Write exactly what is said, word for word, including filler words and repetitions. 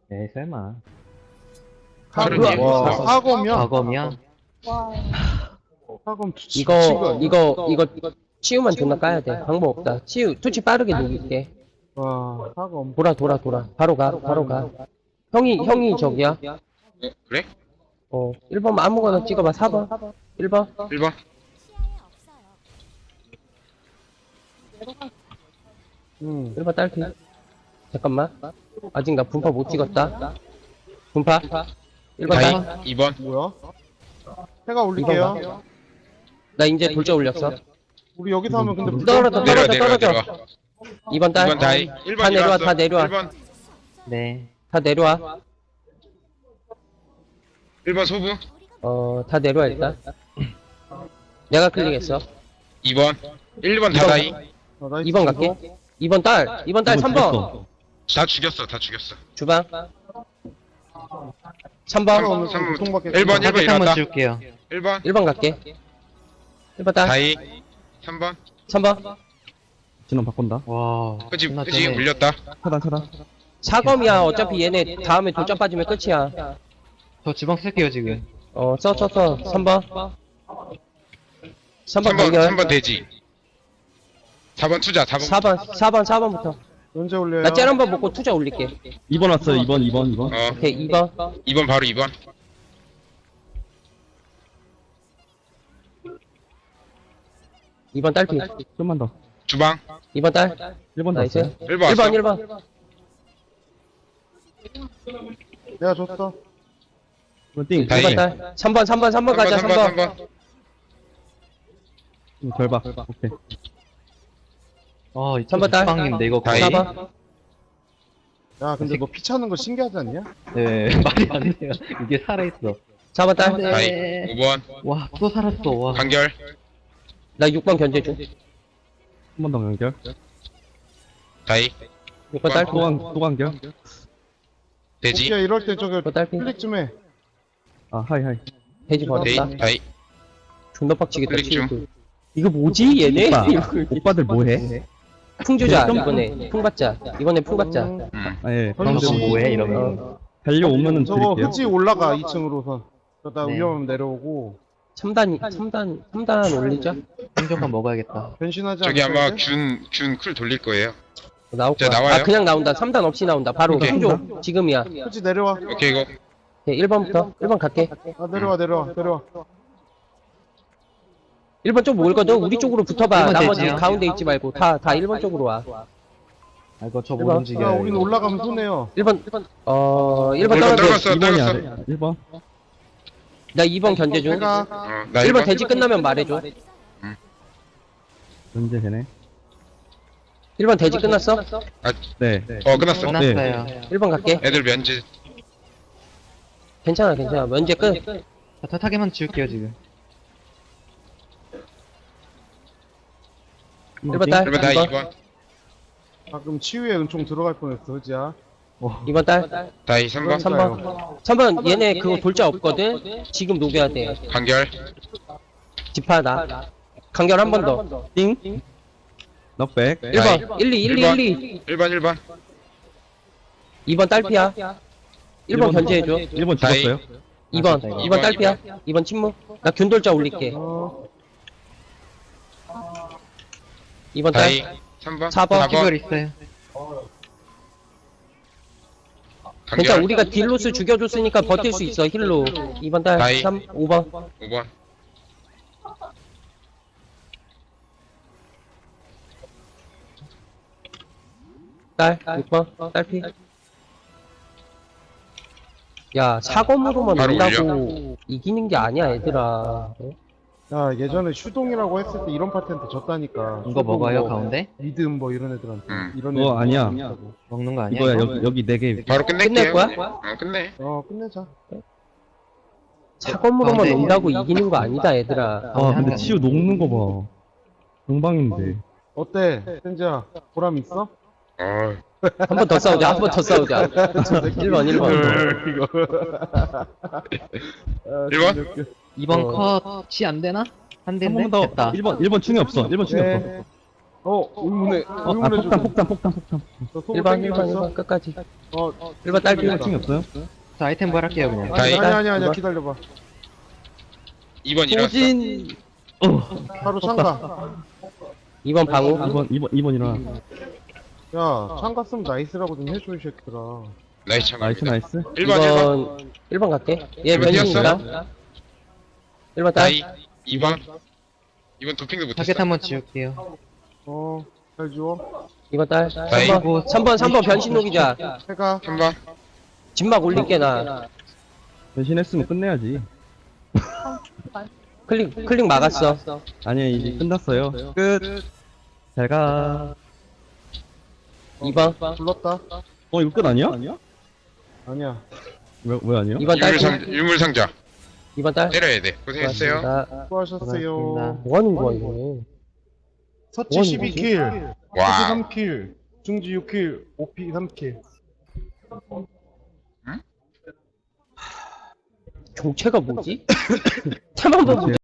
에이 설마. 저런 와, 일. 와, 사검이야? 과검이야? 사검 투치 이거 이거 이거 치유만 존나 까야 돼. 방법 없다. 치유 투치 빠르게 녹일게. 와, 사검. 돌아 돌아 돌아. 바로 가 바로 가. 형이 형이 저기야. 그래? 어 일 번 아무거나 찍어봐. 사 번 일 번 일 번. 응. 일 번 딸피. 잠깐만. 아직 나 분파 못 찍었다. 분파 일 번 다이. 딸. 이 번. 뭐야? 해가 올릴게요. 나 이제 돌자 올렸어. 우리 여기서 하면 근데 무조건 떨어져 내려와, 떨어져 내려와, 떨어져. 내려와. 이 번 이 딸. 번 다이. 일 번 다 내려와, 일어났어. 다 내려와. 일 번. 네. 다 내려와. 일 번 소부. 어 다 내려와 일단. 내가 클릭했어. 이 번. 일 번 다 다이. 어, 나이스. 이 번 갈게. 이 번 딸. 이 번 딸 삼 번. 다 죽였어. 다 죽였어. 주방. 삼 번. 오늘 삼 번. 고통받게 일 번, 일 번 타겟 한번 일어났다. 지울게요. 일 번. 일 번 갈게. 일 번 딸. 다이. 삼 번. 삼 번. 진원 바꾼다. 와. 그치, 존나 그치, 쩌네. 물렸다. 차단 차단. 사검이야. 어차피 얘네 다음에 돌짝 빠지면 끝이야. 저 주방 쓸게요 지금. 어, 써, 써, 써. 삼 번. 삼 번 삼 번, 연결. 삼 번 돼지. 사 번 투자, 사 번. 사 번, 사 번, 사 번부터. 언제 올려요? 나 짤 한 번 먹고 투자 올릴게. 이 번 왔어요. 이 번, 이 번, 이 번. 어, 오케이, 이 번. 이 번 바로 이 번. 이 번 딸피. 좀만 더. 주방. 이 번 딸. 일 번 나이스. 났어요. 일 번 일 번, 왔어. 일 번. 내가 줬어. 일 번 띵. 다이. 일 번 딸. 삼 번, 삼 번, 삼 번 가자, 삼 번. 삼 번. 음, 절박. 오케이. 어, 이 삼 번 딸. 주방인데 이거 다이. 사 거의. 번. 야, 근데 너 피 차는 거 신기하지 않냐? 네. 말이 안 돼요. 이게 살아있어. 사 번 딸. 다이. 오 번. 와, 또 살았어. 와. 간결. 나 육 번 견제 중. 한 번 더 연결. 다이. 육 번 딸피. 또 한, 또 간결. 돼지. 오케이, 이럴 때 저기 육 번 딸피. 클릭 좀 해. 아, 하이, 하이. 돼지 버렸다. 데이. 다이. 존나 빡치겠다, 클릭 중. 치우고. 이거 뭐지, 얘네? 오빠, 오빠들 뭐해? 풍주자, 이번에. 풍받자. 이번에 풍받자. 음, 음. 아, 예. 방금 방금 뭐해 이러면. 어, 달려오면은 저거 드릴게요. 흑지 올라가, 이 층으로선. 그러다 네. 위험하면 내려오고. 삼 단, 삼 단, 삼 단 올리자. 생존감 먹어야겠다. 변신하지 저기 않을까, 아마 이제? 균, 균 쿨 돌릴 거예요. 나올 자, 거야. 나와요? 아, 그냥 나온다. 삼 단 없이 나온다. 바로 오케이. 풍조. 지금이야. 흑지 내려와. 오케이, 이거. 네, 일 번부터. 일 번 갈게. 아, 내려와, 내려와, 내려와. 일 번 쪽 모을거든? 우리 쪽으로 붙어봐. 일 번 나머지 되지요? 가운데 있지 말고. 다, 다 일 번 쪽으로 와. 아, 이거 저 일 못 번. 야, 움직여요. 우리는 올라가면 손해요. 일 번, 어, 일 번 일 번 떨어져. 떨궜어, 이 번이 떨궜어. 아래. 일 번. 나 이 번 견제 중. 내가, 어, 나 일 일 번 번. 돼지 끝나면 말해줘. 현재 되네. 일 번 돼지 끝났어? 네. 어, 끝났어. 끝났어요. 일 번 갈게. 애들 면제. 괜찮아, 괜찮아. 면제 끝. 자, 타타게만 지울게요 지금. 일 번 딸. 일 번 다이. 이 이 번. 번. 가끔 치유에 은총 들어갈 뻔했어, 흑지야. 이 번 딸. 다이. 삼 번. 삼 번. 삼 번 얘네 그거 돌자 없거든? 지금 녹여야 돼. 간결. 집하 나. 간결 한 번 더. 띵. 넉백. 일 번. 일, 이, 일, 이, 일, 이. 일 번, 일 번. 이 번 딸피야. 일 번 견제해줘. 일 번 죽었어요. 이 번. 아, 이 번 딸피야. 이 번 침묵. 나 균돌자 올릴게. 어, 이 번 다이. 딸. 삼 번. 사 번. 사 키걸 번. 있어요. 괜찮아. 간결. 우리가 딜로스 죽여줬으니까 버틸 수 있어. 힐로. 이 번 딸. 다이. 삼, 오 번. 오 번. 딸. 육 번. 딸피. 야, 사검으로만 바로 온다고 이기는 게 아니야, 얘들아. 야, 예전에 슈동이라고 했을 때 이런 파트한테 졌다니까. 이거 슈동 먹어요 뭐, 가운데? 리듬 뭐 이런 애들한테. 음. 이런 그거 애들. 아니야. 먹는 거 아니야? 이거야. 이거? 여기, 여기 네 개. 바로 끝낼 끝낼게요. 거야? 어, 끝내. 어, 끝내자. 사검으로만 가운데. 온다고 이기는 거 아니다, 얘들아. 아, 근데 치유 녹는 거 봐. 용방인데. 어때? 센지야, 보람 있어? 어, 한 번 더 싸우자, 한 번 더 싸우자. 일 번, 일 번. 이거. 아, 일 번? 진짜 웃겨. 이번 어. 컷이 안 되나? 안 한 되네. 번 더. 됐다. 일 번, 일 번 충이 없어. 일 번 충이 없어. 네. 어, 의문의, 어, 아, 의문의 폭탄, 죽음. 폭탄, 폭탄, 폭탄. 저 소금 일 번, 일 땡기고 번, 일 있어. 번, 끝까지. 어, 일 번 딸피. 땡기다. 층이 없어요? 자, 아이템 부활할게요, 그냥. 아니, 다이. 아니, 아니, 아니, 이번. 기다려봐. 이 번 일어났어. 소진! 어, 바로 창가. 이 번 방우. 이 번, 이 번, 이 번 일어나. 야, 창가 쓰면 나이스라고 좀 해줘, 이 새끼들아. 나이스 나이스, 참가입니다. 나이스. 일 번 일 번. 1번, 일 번 갈게. 얘 일 번 변신인가? 일 번 딸. 다이. 이 번. 이 번 도핑도 못했어. 타겟 한번 지울게요. 어, 잘 지워. 이 번 딸. 다이. 삼 번, 삼 번, 삼 번 변신 녹이자. 해가. 삼 번. 진막 올릴게, 나. 변신했으면 끝내야지. 클릭, 클릭 막았어. 아니야, 이제 끝났어요. 끝. 잘 가. 이 번. 불렀다. 어, 이거 끝 아니야? 아니야. 왜, 왜 아니야? 이 번 딸. 유물상, 유물상자. 이 번 딸. 때려야 돼. 고생했어요. 고맙습니다. 수고하셨어요. 고맙습니다. 뭐 하는 거야, 이거. 서치 원 십이 킬, 와. 삼 킬, 중지 육 킬, 오피 삼 킬. 종체가 뭐지? 테만 보고